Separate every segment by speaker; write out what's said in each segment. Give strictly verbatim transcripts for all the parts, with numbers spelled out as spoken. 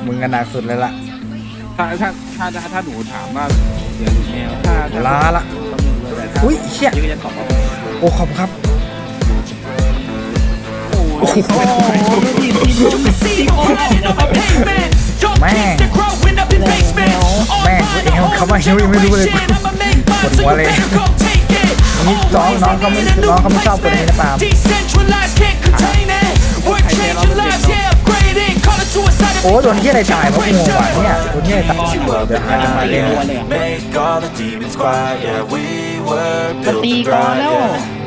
Speaker 1: มึงกันหนักสุดเลยล่ะ
Speaker 2: ถ้าถ้าถ้าถ้าหนูถามว่าเสือหรือแมวถ้า
Speaker 1: ลาละอุ้ยเชี่ยโอ้ขอบครับโอ้โหแม่งแม่งเอวเขามาเอวยังไม่รู้เลยปวดหัวเลยนี่น้องน้องเขาไม่น้องเขาไม่ชอบคนนี้นะปาล์มโอ้โดนที่อะไรตายวะงงว่ะเนี่ยโดนที่อะไรตายเดี๋ยวหามาเล่น
Speaker 3: มันตีก่อนแล้ว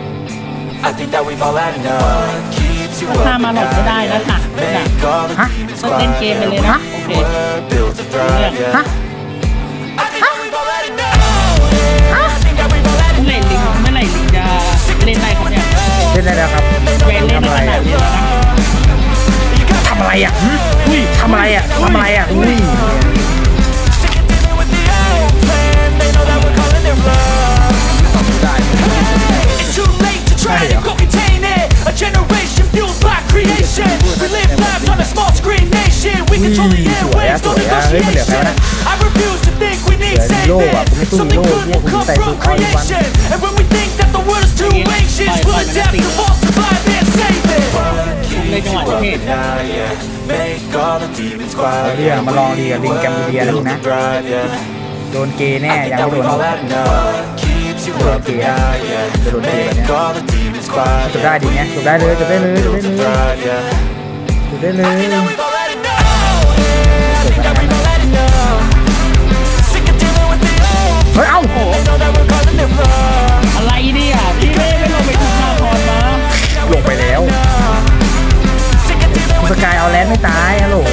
Speaker 3: ถ้ามาหลบไม่ได้นะค่ะ
Speaker 1: ฮะ
Speaker 3: ต้องเล่นเกมไปเลยนะโอเค
Speaker 1: ฮะ
Speaker 3: เมื่อไหร่ลิงเมื่อไหร่ลิงจะเล่นได้ครับเนี่ย
Speaker 1: เล่นได้แล้วครับ
Speaker 3: เล่นเล่นขนาดนี้แล้วนะ
Speaker 1: ทำอะไรอ่ะอุ้ยทำอะไรอ่ะทำอะไรอ่ะอุ้ยใช่เหรอสวยอะสวยอะเฮ้ยมันเหลือใครวะนะเหลือฮีโร่อะผมไม่สู้ฮีโร่พวกผมใส่สูตรคอยวัน
Speaker 3: ในจังหวะที่เ
Speaker 1: รียมาลองดีกับลิงแกมบูเดียแล้วนะโดนเกย์แน่ยังไม่โดนโดนเกย์จะโดนเกย์แบบนี้จบได้ดีเนี้ยจบได้เลยจบได้เลยจบได้เลยจบได้เลยเฮ้ยเอ้า
Speaker 3: อะไรเนี่ยพี่เล่ไม่ลงไปถึงหน้าคอนมา
Speaker 1: ลงไปแล้วสกายเอาแลนด์ไม่ตายฮัลโหล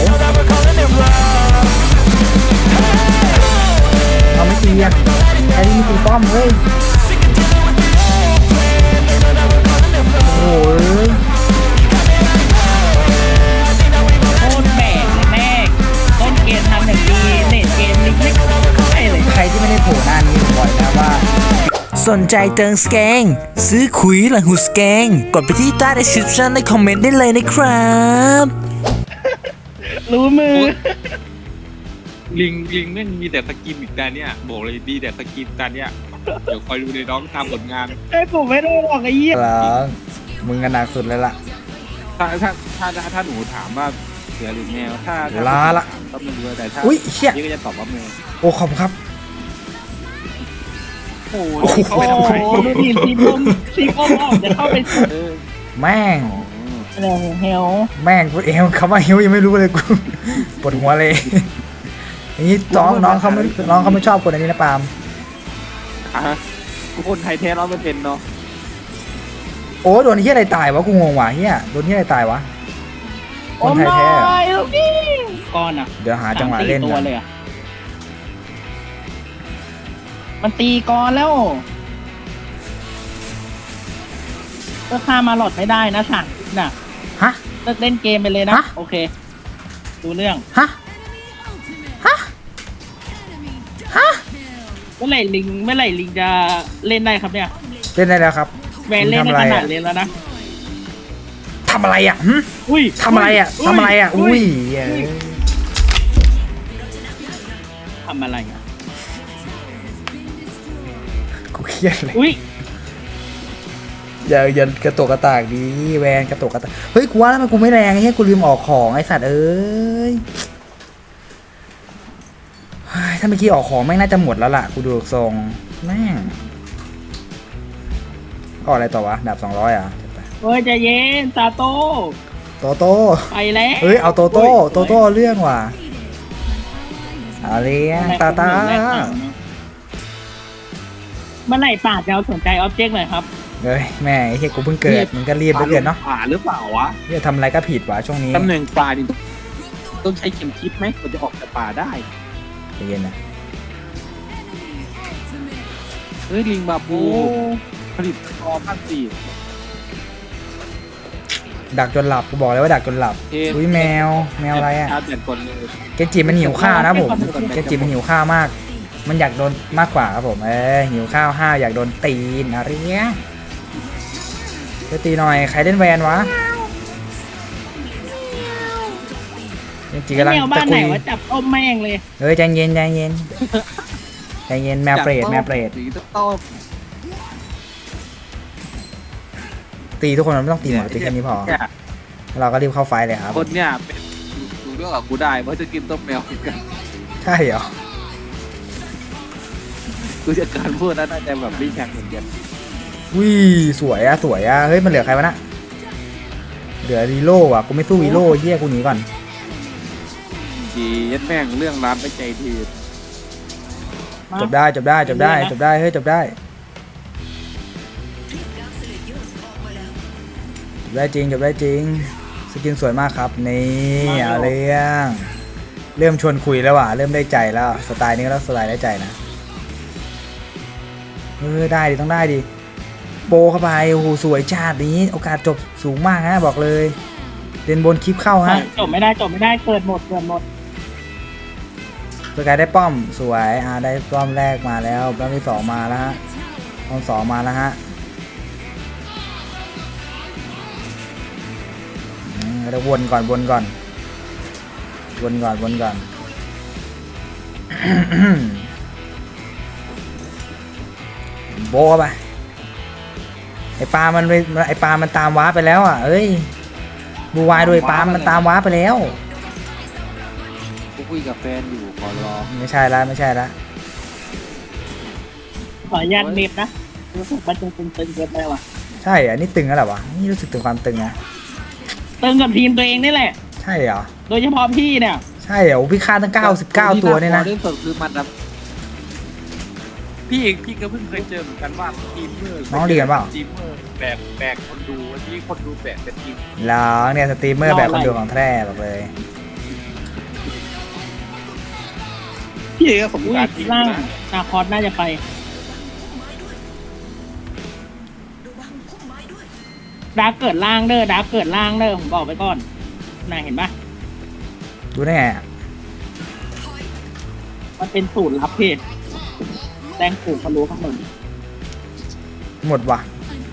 Speaker 1: เอาไม่ตีอ่ะไอ้นี่ตีป้อมเฮ้ยโอ้ย
Speaker 3: โคตรแบกเลยแม่ต้นเกมทำอย่างดีเน็ตเกมนี้ไม่ใช่เลย
Speaker 1: ใครที่ไม่ได้โผล่หน้านี้ผมบอกนะว่าสนใจเติมสแกงซื้อขุยหลังหูสแกงกดไปที่ใต้ description ในคอมเมนต์ได้เลยนะครับ
Speaker 3: รู้มือ
Speaker 2: ลิงลิงแม่งมีแต่สกินอีกแต่เนี้ยบอกเลยดีแต่สกินแต่เนี้ยเดี๋ยวคอยดูในน้องทำผลงาน
Speaker 3: ไอ้ผมไม่ได้หรอกไอ้เหี้ย
Speaker 1: มึงกันหนักสุดเลยล่ะ
Speaker 2: ถ้าถ้าถ้าถ้าหนูถามว่าเสือหรือแมวถ้า
Speaker 1: ลาละ
Speaker 2: ก็ไม่รู้แต่ถ้า
Speaker 1: อุ้ยเชี่ย
Speaker 2: นี่ก็จะตอบว่าแมว
Speaker 1: โอ้ขอบครับ
Speaker 3: โอ้โหเขาไปทำไมดูทีมทีมผมทีมผมออกจะเข้าไป
Speaker 1: แม่ง
Speaker 3: อะไรเฮล
Speaker 1: แม่งกูเอวเขามาเฮลยังไม่รู้เลยกูปวดหัวเลยนี่น้องน้องเขาไม่น้องเขาไม่ชอบคนอันนี้นะปาล์ม
Speaker 2: อ่ะกูคนไทยแท้ร้อยเปอร์เซ็นต์เนาะ
Speaker 1: โอ้โดนที่อะไรตายวะกูงงว่ะเฮียโดนที่อะไรตายวะคนไทยแท้
Speaker 3: ก้อนอ่ะ
Speaker 1: เดี๋ยวหาจังหวะเล่น
Speaker 3: ตัวเลยอ่ะมันตีก่อนแล้วก็ฆ่ามาหลอดไม่ได้นะสั่งน่ะ
Speaker 1: ฮะ
Speaker 3: เลิกเล่นเกมไปเลยนะโอเคดูเรื่อง
Speaker 1: ฮะฮะฮะ
Speaker 3: เมื่อไหร่ลิงเมื่อไหร่ลิงจะเล่นได้ครับเนี่ย
Speaker 1: เล่นได้แล้วครับ
Speaker 3: แวนเล่นขนาดเล่นแล้วนะ
Speaker 1: ทำอะไรอ่ะ
Speaker 3: อุ้ย
Speaker 1: ทำอะไรอ่ะทำอะไรอ่ะอุ้ย
Speaker 3: ทำอะไรอ่ะ
Speaker 1: กูเครียดเลย
Speaker 3: อุ้ย
Speaker 1: อย่าอย่ากระตุกกระตากดีแวนกระตุกกระตากเฮ้ยกูว่าแล้วมันกูไม่แรงไอ้เหี้ยกูลืมออกของไอ้สัตว์เอ้ยถ้าเมื่อกี้ออกของไม่น่าจะหมดแล้วล่ะกูดูทรงแม่งออกอะไรต่อวะดาบสองร้อยอ่ะ
Speaker 3: เฮ้ยใจเย็นตาโต
Speaker 1: โตโต้
Speaker 3: ไปแล้ว
Speaker 1: เฮ้ยเอาโตโต้โตโต้เรื่องว่ะอะไรตาตา
Speaker 3: เมื่อไหร่ป่าจะเอาสนใจออบเจกต์หน่อยครับ
Speaker 1: เฮ้ยแม่ไอ้เหี้ยกูเพิ่งเกิดมึงก็รีบไปเกิดเนาะ
Speaker 2: ป่าหรือเปล่าวะ
Speaker 1: เฮ้ยทำอะไรก็ผิดวะช่วงนี้
Speaker 2: ตำแหน่งป่าดิต้องใช้เข็มทิศไหมมันจะออกจากป่าได้
Speaker 1: ใจเย็นนะ
Speaker 2: เฮ้ยลิงบาบูผลิตคอภาคสี่
Speaker 1: ดักจนหลับกูบอกเลยว่าดักจนหลับอุ้ยแมวแมวอะไรอ่ะเกจิมันหิวข้าวนะผมเกจิมันหิวข้าวมากมันอยากโดนมากกว่าครับผมเออหิวข้าวห้าวอยากโดนตีนอะไรเงี้ยจะตีหน่อยใครเล่นแวนวะจริงๆกำลัง
Speaker 3: แมว
Speaker 1: จะ
Speaker 3: บ้านไห
Speaker 1: คุ
Speaker 3: น
Speaker 1: ย
Speaker 3: ว่าจับต้มแม่งเลย
Speaker 1: เฮ้ยใจเย็นใจเย็นใจเย็นแมวเปรตแมวเปรต
Speaker 2: สีต้ม
Speaker 1: ตีทุกคนมันไม่ต้องตีหมดตีแค่นี้พอ
Speaker 2: เนี่ย
Speaker 1: เราก็รีบเข้าไฟเลยครับ
Speaker 2: คนเนี่ยเป็นดูเรื่องกับกูได้เพราะจะกินต้มแมวเหมือนกัน
Speaker 1: ใช่เหรอ
Speaker 2: กูจะการพูดนะน่าจะแบบรีแข่งเหมือนกัน
Speaker 1: วิสวยอะสวยอะเฮ้ยมันเหลือใครวะนะเหลือวีโร่อะกูไม่สู้วีโร่เฮียกูหนีก่อน
Speaker 2: จียัดแม่งเรื่องร้านไปใจที
Speaker 1: จบได้จบได้จบได้จบได้เฮ้ยจบได้จบได้จริงจบได้จริงสกินสวยมากครับนี่เอาเรื่องเริ่มชวนคุยแล้วว่ะเริ่มได้ใจแล้วสไตล์นี้ก็แล้วสไตล์ได้ใจนะเออได้ดิต้องได้ดิโบเข้าไปโอ้โหสวยชาตินี้โอกาสจบสูงมากฮะบอกเลยเล่นบนคลิปเข้าฮะ
Speaker 3: จบไม่ได้จบไม่ได้เกิดหมดเกิดหมด
Speaker 1: สกายได้ป้อมสวยอ่าได้ป้อมแรกมาแล้วป้อมที่สองมาแล้วฮะป้อมสองมาแล้วฮะอืมเราวนก่อนวนก่อนวนก่อนวนก่อน โบะไปไอปลามันไปไอปลามันตามว้าไปแล้วอ่ะเอ้ยบูวายโดยปลามันตามว้าไปแล้ว
Speaker 2: กูคุยกับแฟนอยู่ขอร้อง
Speaker 1: ไม่ใช่ละไม่ใช่ละ
Speaker 3: ขออนุญาตเน็บนะรู้สึกมันตึงตึงๆเกินไปว่ะ
Speaker 1: ใช่อันนี้ตึงแล้วเหรอวะนี่รู้สึกถึงความตึงนะ
Speaker 3: ตึงกับทีมตัวเองนี่แหละ
Speaker 1: ใช่เหรอ
Speaker 3: โดยเฉพาะพี่เนี่ย
Speaker 1: ใช่เหรอพี่ฆ่าตั้งเก้าสิบเก้าตัวเนี่ยนะ
Speaker 2: เรื่องสดคือมันนะพี่เองพี่ก็เพิ่งเคยเจอเหมือนกันว่าทีมเมอร์
Speaker 1: น้องเรียนเปล่า
Speaker 2: ทีมเมอร์แบกแบกคนดูวันนี้คนดูแบกเป็นทีม
Speaker 1: แล้วเนี่ยสตรีมเมอร์แบบคนดูของแท้บอกเลย
Speaker 2: พี่เองก็สม
Speaker 3: อุ้ย
Speaker 2: การจริง
Speaker 3: ล่าง
Speaker 2: นะ
Speaker 3: นาคอสน่าจะไปดาร์กเกิดล่างเด้อดาร์กเกิดล่างเด้อผมบอกไปก่อนน่าเห็นปะ
Speaker 1: ดูได้ไงอะ
Speaker 3: มันเป็นสูตรลับพี่แตงผูกทะลุข้างบน
Speaker 1: หมดว่ะ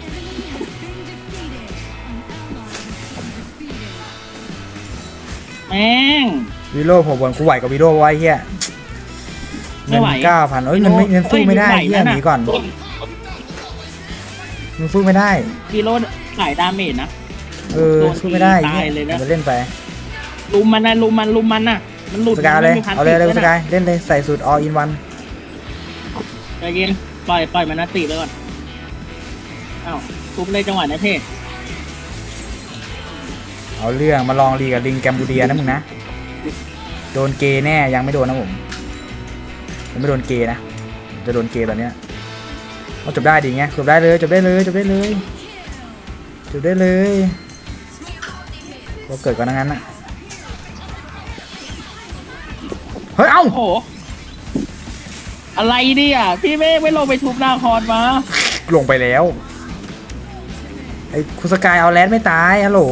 Speaker 3: แม่ง
Speaker 1: วิโร่ผมบนกูไหวกับวิโร่ไว้เฮีย
Speaker 3: ไม่
Speaker 1: เงิน
Speaker 3: ไหว
Speaker 1: เก้าพันเอ้ยเงินไม่เงินสู้ไม่ได้
Speaker 3: เอ้ย
Speaker 1: เฮีย
Speaker 3: ไหวนะ
Speaker 1: หนีก่อนเงินสู้ไม่ได้
Speaker 3: วีโรดขายดาเมจนะ
Speaker 1: เออสู้ไม่ได้
Speaker 3: ตาย
Speaker 1: เฮีย
Speaker 3: เลยนะ
Speaker 1: เอาไปเล่นไป
Speaker 3: ลุมมันนะลุมมันลุมมันน่ะ มันหลุด
Speaker 1: สกายเลย
Speaker 3: ไม่มีพัน
Speaker 1: เอาเลยเลย
Speaker 3: ติด
Speaker 1: ส
Speaker 3: ด้ว
Speaker 1: กายเล่นเลยใส่สูตร all in one
Speaker 3: ใจเย็นปล่อยปล่อยมันนะติเลยก่อนอ้าวทุบเลยจังหวะนะเท่
Speaker 1: เอาเรื่องมาลองรีกับลิงแกมบูเดียนะมึงนะโดนเกย์แน่ยังไม่โดนนะผมยังไม่โดนเกย์นะจะโดนเกย์ตอนเนี้ยเอาจบได้ดีไงจบได้เลยจบได้เลยจบได้เลยจบได้เลยก็เกิดก่อนงั้นนะเฮ้ยเอ้า
Speaker 3: โอ้โห อะไรดิอ่ะพี่ไม่ไม่ลงไปทุบหน้าคอนมา
Speaker 1: ลงไปแล้วไอ้คุณสกายเอาแรดไม่ตายฮัลโหล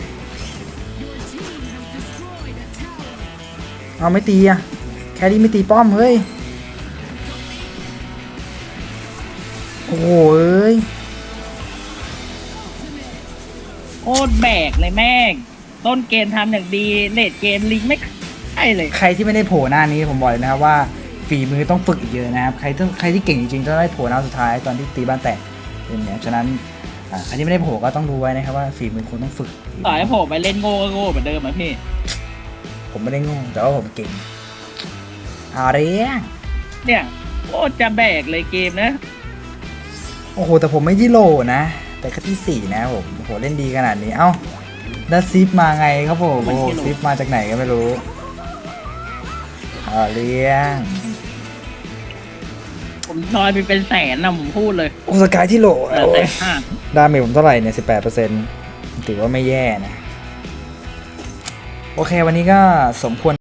Speaker 1: เอาไม่ตีอะแครี่ไม่ตีป้อมเฮ้ยโอ้โหเอ้ย
Speaker 3: โคตรแบกเลยแม่ง ต้นเกมทำอย่างดีเลดเกมลิงไม่ใช่เลย
Speaker 1: ใครที่ไม่ได้โผล่หน้านี้ผมบอกเลยนะครับว่าฝีมือต้องฝึกอีกเยอะนะครับใครต้องใครที่เก่งจริงๆต้องได้โผล่หน้าสุดท้ายตอนที่ตีบ้านแตกเป็นอย่างนี้ฉะนั้นอ่าใครที่ไม่ได้โผล่ก็ต้องดูไว้นะครับว่าฝีมือคุณต้องฝึก
Speaker 3: ต่อให้ผมไปเล่นโง่ก็โง่เหมือนเดิมอ่ะพี่
Speaker 1: ผมไม่ได้โง่แต่ว่าผมเก่งเอาเรื่อง
Speaker 3: เนี่ยโคตรจะแบกเลยเกมนะ
Speaker 1: โอ้โหแต่ผมไม่ที่โหลนะแต่แค่ที่สี่นะผมโอ้โหเล่นดีขนาดนี้เอ้าแล้วซิปมาไงครับผมโอ้โหซิปมาจากไหนก็ไม่รู้เอาเรื่อง
Speaker 3: ผมซอยไปเป็นแสนนะผมพูดเลย
Speaker 1: โอ้สกายที่โหล
Speaker 3: เหลือแต่ห้า
Speaker 1: ดาเมจผมเท่าไหร่เนี่ยสิบแปดเปอร์เซ็นต์ถือว่าไม่แย่นะโอเควันนี้ก็สมควร